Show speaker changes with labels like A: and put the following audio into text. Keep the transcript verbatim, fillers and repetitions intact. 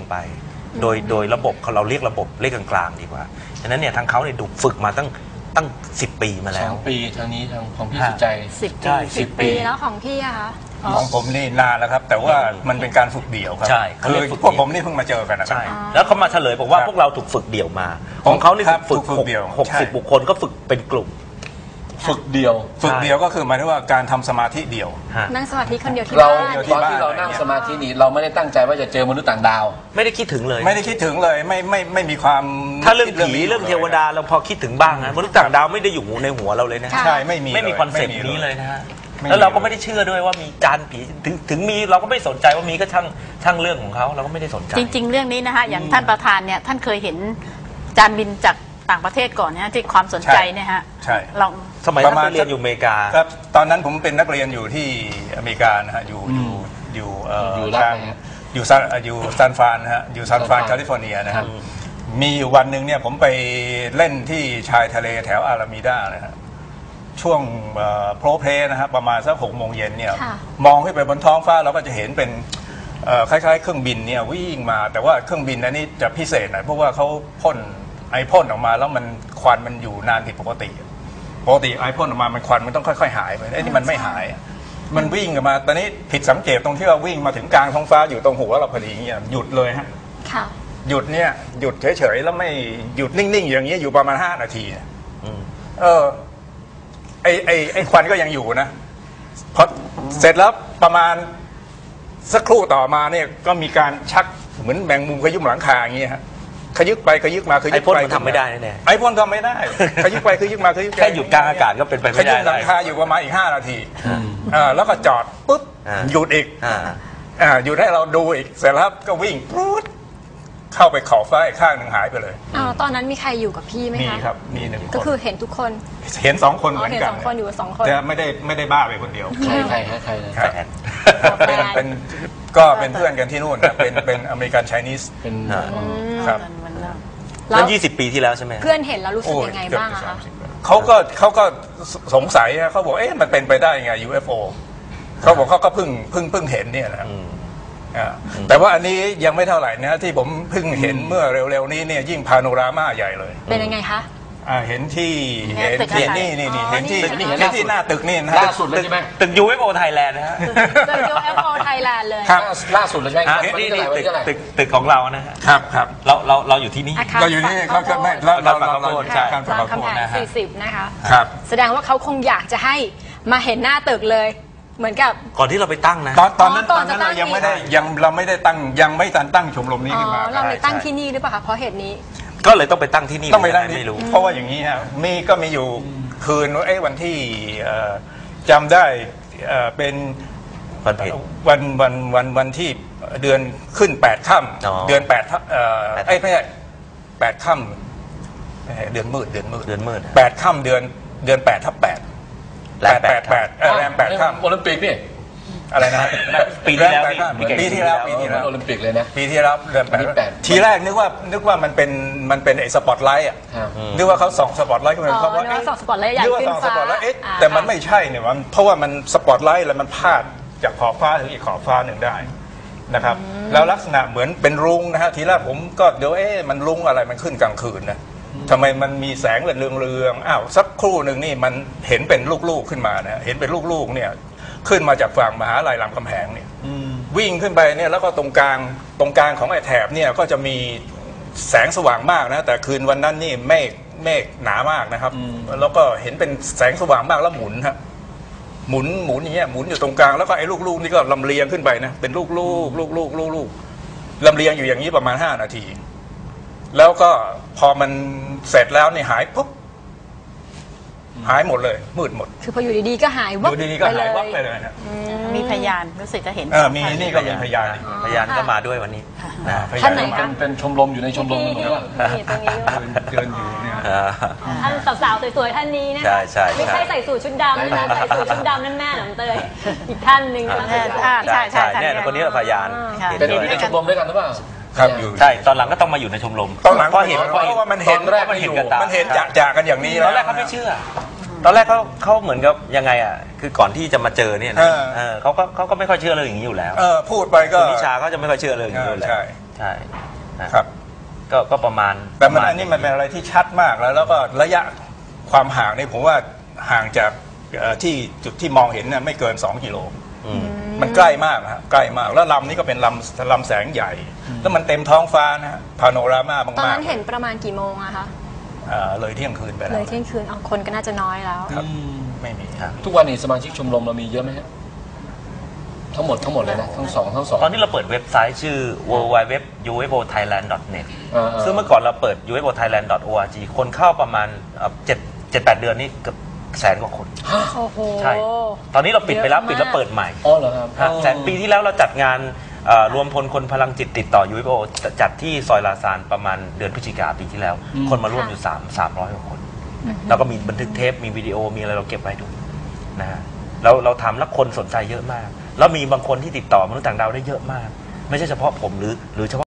A: ไป โดยโดยระบบเราเรียกระบบเลขกลางๆดีกว่าฉะนั้นเนี่ยทางเขาเนี่ยถูกฝึกมาตั้งตั้งสิบปีมาแล้ว
B: สองปีทางนี้ทางของพี่สุใจ
C: สิบปี
A: ใช่
C: สิบปีแล้วของพี่อะคะ
D: ของผมนี่นานแล้วครับแต่ว่ามันเป็นการฝึกเดี่ยวครับ
A: ใช่
D: คือพวกผมนี่เพิ่งมาเจอกันนะครั
A: ใช่
D: บ
A: แล้วเขามาเฉลยบอกว่าพวกเราถูกฝึกเดี่ยวมาของเขานี่
D: ครับ
A: ฝึก
D: ฝึกเดี่ยว
A: หกสิบ
D: ใช่
A: บุคคลก็ฝึกเป็นกลุ่ม
B: ฝึกเดียว
D: ฝึกเดี่ยวก็คือหมายถึงว่าการทำสมาธิเดี่ยว
C: นั่งสมาธิคนเดียวที่
B: เรา
C: บ้าน
D: ที่
B: ตอน
D: บ้าน
B: ที่เรานั่งสมาธินี้เราไม่ได้ตั้งใจว่าจะเจอมนุษย์ต่างดาว
A: ไม่ได้คิดถึงเลย
D: ไม่ได้คิดถึงเลยไม่ไม่ไม่มีความ
A: ถ้าเรื่องผี
D: นี้
A: เรื่องเทวดาเราพอคิดถึงบ้างนะมนุษย์ต่างดาวไม่ได้อยู่ในหัวเราเลยนะ
C: ค่ะ
D: ใช่ไม่มี
A: ไม่มี
D: ลย
A: คอนเซ็ปต์
D: ไม่มี
A: นี้เลยนะฮะ
D: ไม่มี
A: แล้วเราก็ไม่ได้เชื่อด้วยว่ามีจานผีถึงถึงมีเราก็ไม่สนใจว่ามีก็ช่างช่างเรื่องของเขาเราก็ไม่ได้สนใจ
E: จริง ๆ เรื่องนี้นะคะอย่างท่านประธานเนี่ยท่านเคยเห็นจานบินจากต่างประเทศก่อนนะที่ความสนใจเนี่ยฮะ
D: ใช่
E: ลอง
A: สมัยนั้นไปเรียนอยู่อเมริกา
D: ครับตอนนั้นผมเป็นนักเรียนอยู่ที่อเมริกานะฮะอยู่อยู่อยู่เอ่อ
B: อยู่
D: ทาง
B: รัฐไหนฮะ
D: อยู่ซานอยู่ซานฟรานนะฮะอยู่ซานฟรานแคลิฟอร์เนียนะครับมีอยู่วันหนึ่งเนี่ยผมไปเล่นที่ชายทะเลแถวอารามิดานะฮะช่วงโปรเพลนะฮะประมาณสักหกโมงเย็นเนี่ย
C: ค่ะ
D: มองขึ้นไปบนท้องฟ้าเราก็จะเห็นเป็นเอ่อคล้ายๆ เครื่องบินเนี่ยวิ่งมาแต่ว่าเครื่องบินอันนี้จะพิเศษหน่อยเพราะว่าเขาพ่นไอพ่นออกมาแล้วมันควันมันอยู่นานผิดปกติปกติไอพ่นออกมามันควันมันต้องค่อยๆหายไปไอ้นี่มันไม่หาย มันวิ่งออกมาตอนนี้ผิดสังเกตตรงที่ว่าวิ่งมาถึงกลางท้องฟ้าอยู่ตรงหัวเราพอดีเนี่ยหยุดเลยฮะ
C: ค่ะ
D: หยุดเนี่ยหยุดเฉยๆแล้วไม่หยุดนิ่งๆอย่างเงี้ยอยู่ประมาณห้านาทีเนี่ย
A: อืม
D: เออไอไอไอควันก็ยังอยู่นะพอเสร็จแล้วประมาณสักครู่ต่อมาเนี่ยก็มีการชักเหมือนแมงมุมขยุ้มหลังคาอย่างเงี้ยฮะขยึกไปขยึกมาขยึกไป
A: ไอ้พ่นมันทำไม่ได้แน่ๆ
D: ไอพ่นทำไม่ได้ขยึกไปขยึกมาขยึกไป
A: แค่หยุดกลางอากาศก็เป็นไป
D: ข
A: ไม่ได้
D: ยึกหลังคาอยู่ประมาณอีกห้านาทีอ่าแล้วก็จอดปุ๊บ
A: อ่า
D: หยุดอีก
A: อ่า
D: อ่าหยุดให้เราดูอีกเสร็จแล้วก็วิ่งปุ๊บเข้าไปขอบฟ้าอีกข้างหนึ่งหายไปเลย
C: อ้าวตอนนั้นมีใครอยู่กับพี่ไหม
D: มี
C: คะ
D: ครับมีหนึ่งคน
C: ก็คือเห็นทุกคน
D: เห็นสองคน
C: อ๋
D: เห
C: อ
D: มือน
C: เห็น
D: กัน
C: สองคนอยู่สองคน
D: แต่ไม่ได้ไม่ได้บ้าไปคนเดียว
B: ใครใครฮะใครนะ
D: ครับ
A: แฟน
D: เป็นเป็นก็เป็นเพื่อนกันที่นู่นนะเป็นเป็นอเมริกันไชนีส
B: เป็น
A: อ่า
D: ครับ
E: มันเริ่ม
C: แล้ว
A: นั่นยี่สิบปีที่แล้วใช่ไหม
C: เพื่อนเห็นแล้วรู้สึก
D: โอ้ย
C: ยังไง
D: เกือบ
C: บ้าง
D: จะ
C: อะ
D: สา
C: คะ
D: มสิบปีเขาก็เขาก็สงสัยนะเขาบอกเอ๊ะมันเป็นไปได้ไง ยู เอฟ โอ เขาบอกเขาก็เพิ่งเพิ่งเพิ่งเห็นเนี่ยนะครับ
A: อืม
D: อ่าแต่ว่าอันนี้ยังไม่เท่าไหร่นะที่ผมเพิ่งเห็นเมื่อเร็วๆนี้เนี่ยยิ่งพาโนรามาใหญ่เลย
C: เป็นยังไงคะ
D: อ่าเห็นที่
E: เนี่ย
D: เห็น
E: ตึก
D: ที่
E: อะไร
D: นี่นี่นี่
C: อ๋อ
D: เห็นที่
C: นี่
D: เห็นที่หน้าตึกนี่นะ
B: ล่าสุดเลยใช่ไหม
A: ตึก ยู เอฟ โอ Thailand นะฮะ
C: เจอ ยู เอฟ โอ Thailand เลย
D: ครับ
B: ล่าสุดเลยใช่ไหม
A: อ่ะ
B: วัน
A: นี่
B: ที่เท่าไห
A: นี่
B: ร่วัน
A: ตึก
B: ที่เท่าไหร่
A: ตึกตึกของเรานะฮะ
D: ครับครับ
A: เราเราเราอยู่ที่นี่
C: อาคาร
D: เราอยู่นี่
C: ฝั่
D: เขา
C: ง
D: ก็
C: ข้าวโพด
D: ไม่เราเรา
A: ฝั่งข้าวโพด
D: เรา
A: ใช่
D: การ
C: ราม
D: ฝั่ง
C: คำแหง
A: นะฮะ
C: สี่สิบนะคะ
D: ครับ
C: แสดงว่าเขาคงอยากจะให้มาเห็นหน้าตึกเลย เหมือนกับ
A: ก่อนที่เราไปตั้งนะ
D: ตอนตอนนั้น
C: อ๋อก่
D: ต
C: อ
D: อน นนั้น
C: จะตั้
D: เรา
C: ง
D: ยังไม่ได้
C: อีก
D: ยังเราไม่ได้ตั้งยังไม่ทันตั้งชมรมนี้
C: อ๋อ
D: ขึ้นมา
C: เราเลยตั้ง
A: ใช่
C: ที่นี่หรือเปล่าคะเพราะเหตุนี้
A: ก็เลยต้องไปตั้งที่นี่
D: ต้องไปตั้งที่
A: ไม่รู้
D: เพราะว่าอย่างนี้ฮะมีก็มีอยู่คืนว่าเอ้วันที่เอ่อจำได้เอ่อเป็น
A: วันเพ็ญ
D: วันวันวันวันที่เดือนขึ้นแปดค่
A: อ๋อ
D: ำเดือนแปดค่ำเอ่อ
A: แปด
D: เอ้ยไม่ใช่แปดค่ำไม่ใช่เดือนมืดเดือนมืด
A: เดือนมืด
D: แปดค่ำเดือนเดือนแปดทับแปด
A: แรมแปด
D: แปดเออแรมแปดค่ำ
B: โอลิมปิกนี่
D: อะไรนะ
A: ปีที่แล้ว
D: รมปดค่ำปีที่แล้วปีที่แล้ว
B: โอลิมปิกเลยนะ
D: ปีที่แล้วเดือนแปด
B: ปีที่แปด
D: ทีแรกนึกว่านึกว่ามันเป็นมันเป็นไอ้สปอตไลท์อ่ะ
B: ครับ
D: นึกว่าเขาส่องสปอตไลท์ขึ้นมา
C: อ๋อ
D: เขาว่า
C: นึกว่าส่องสปอตไลท์ใหญ่
D: นึกว่า
C: ขึ้น
D: ส่องส
C: ฟ้า
D: ปอตไลท์เอ๊ะ
C: อ่า
D: แต่มันไม่ใช่เนี่ยมันเพราะว่ามันสปอตไลท์แล้วมันพาดจากขอบฟ้าถึงอีกขอบฟ้าหนึ่งได้นะครับแล้วลักษณะเหมือนเป็นรุ้งนะฮะทีแรกผมก็เดี๋ยวเอ๊ะมันรุ้งอะไรมันขึ้นกลางคืนนะทำไมมันมีแสงเรืองเรืองๆอ้าวสักครู่หนึ่งนี่มันเห็นเป็นลูกๆขึ้นมานะเห็นเป็นลูกๆเนี่ยขึ้นมาจากฝั่งมหาลัยรามคำแหงเนี่ยวิ่งขึ้นไปเนี่ยแล้วก็ตรงกลางตรงกลางของไอ้แถบเนี่ยก็จะมีแสงสว่างมากนะแต่คืนวันนั้นนี่เมฆเมฆหนามากนะครับแล้วก็เห็นเป็นแสงสว่างมากแล้วหมุนฮะหมุนหมุนอย่างเงี้ยหมุนอยู่ตรงกลางแล้วก็ไอ้ลูกๆนี่ก็ลำเลียงขึ้นไปนะเป็นลูกๆลูกๆลูกๆลำเลียงอยู่อย่างนี้ประมาณห้านาที แล้วก็พอมันเสร็จแล้วนี่หายปุ๊บหายหมดเลยมืดหมด
C: คือพออยู่ดีๆก็หาย
D: อ
C: วับ
D: ยู่ดีๆก็
C: ไปเล
D: หาย
C: ย
D: วับไปเลยนะ
E: มีพยานรู้สึกจะเห็น
D: เออมีนี่ก็เป็นพยาน
A: พยานก็มาด้วยวันนี้นะ
D: พย
C: ท่านไหน
B: เป็นเป็นชมรมอยู่ในชมรม
C: นี่
B: หรือเปล่า
C: นี่ตรงนี้ด้วย
D: เดินอยู่เนี่ย
A: อ่า
C: ท่านสาวๆสวยๆท่านนี้นะ
A: ใช่ใช่ใช่
C: ไม่ใช่ใส่สูทชุดดำนะใส่สูทชุดดำนั่นแม่หนำเตยอีกท่านหนึ่งนะคะ
E: อ่า ใช่ใช่ใช่
A: เนี่ยคนนี้เป็นพยาน
E: ค่ะ
A: เห็น
B: เป็นอ
A: ด้ว
B: ยู่
A: ย
B: ในชมรมด้วยกันหรือเปล่า
D: ครับอยู่
A: ใช่ตอนหลังก็ต้องมาอยู่ในชมรม
D: ตอนหลัง
A: เพราะเห็น
D: เพราะว่ามันเห็น
B: ตอนแรก
A: มันเห็นกับตา
D: มันเห็นจะจะกันอย่างนี้
A: ต
D: แล้ว
A: อนแรกเขาไม่เชื่อ ตอนแรกเขาเขาเหมือนกับยังไงอ่ะคือก่อนที่จะมาเจอเนี่ยนะ
D: เออ
A: เออเขาก็เขาก็ไม่ค่อยเชื่อเรื่องอย่างนี้อยู่แล้ว
D: เออพูดไปก็
A: คุณนิชาเขาจะไม่ค่อยเชื่อเรื่องอย่างนี้อยู่แล้ว
D: ใช่
A: ใช่นะครับ ก็ก็ประมาณ
D: แต่มัน
A: ประาณ
D: อันนี้มันเป็นอะไรที่ชัดมากแล้ว แล้วก็ระยะความห่างนี่ผมว่าห่างจากเอ่อที่จุดที่มองเห็นเนี่ยไม่เกิน สอง กิโล
A: อืม
D: มันใกล้มากนะฮะใกล้มากแล้วลำนี้ก็เป็นลำลำแสงใหญ่ แล้วมันเต็มท้องฟ้านะฮะพาโนรามา
C: ตอน
D: มาก
C: นั้นเห็นประมาณกี่โมงอะคะ
D: ๆเอ่อเลยเที่ยงคืนไปแล้
C: เล
D: วย
C: เที่ยงคืนเอาคนก็น่าจะน้อยแล้ว
D: ครับไม่มีครับ
B: ทุกวันนี้สมาชิกชมรมเรามีเยอะไหมฮะทั้งหมดทั้งหมดเลยนะทั้งสองทั้งสอง
A: ตอนนี้เราเปิดเว็บไซต์ชื่อ ดับเบิลยู ดับเบิลยู ดับเบิลยู ดอท ยู เอฟ โอ ไทยแลนด์ ดอท เน็ต
B: อ่าๆ
A: ซึ่งเมื่อก่อนเราเปิด ยู เอฟ โอ ไทยแลนด์ ดอท โอ อาร์ จี คนเข้าประมาณเจ็ดเจ็ดแปดเดือนนี่เกือบแสนกว่าคน
C: โอ้โห
A: ใช่ ตอนนี้เราปิดไปแล้ว
C: เยอะมาก
A: ปิดแล้วเปิดใหม่
B: อ๋อเหรอครับ
A: ฮะแต่ปีที่แล้วเราจัดงานเอ่อรวมพลคนพลังจิตติดต่อ ยู เอฟ โอ จัดที่ซอยลาซานประมาณเดือนพฤศจิกาปีที่แล้ว
B: อืม
A: คนมาร่วมอยู่3 300กว่าคนแล้วก็มีบันทึกเทปมีวิดีโอมีอะไรเราเก็บไว้ดูนะฮะเราเราทำแล้วคนสนใจเยอะมาก แล้วมีบางคนที่ติดต่อมนุษย์ต่างดาวได้เยอะมาก ไม่ใช่เฉพาะผมหรือหรือเฉพาะ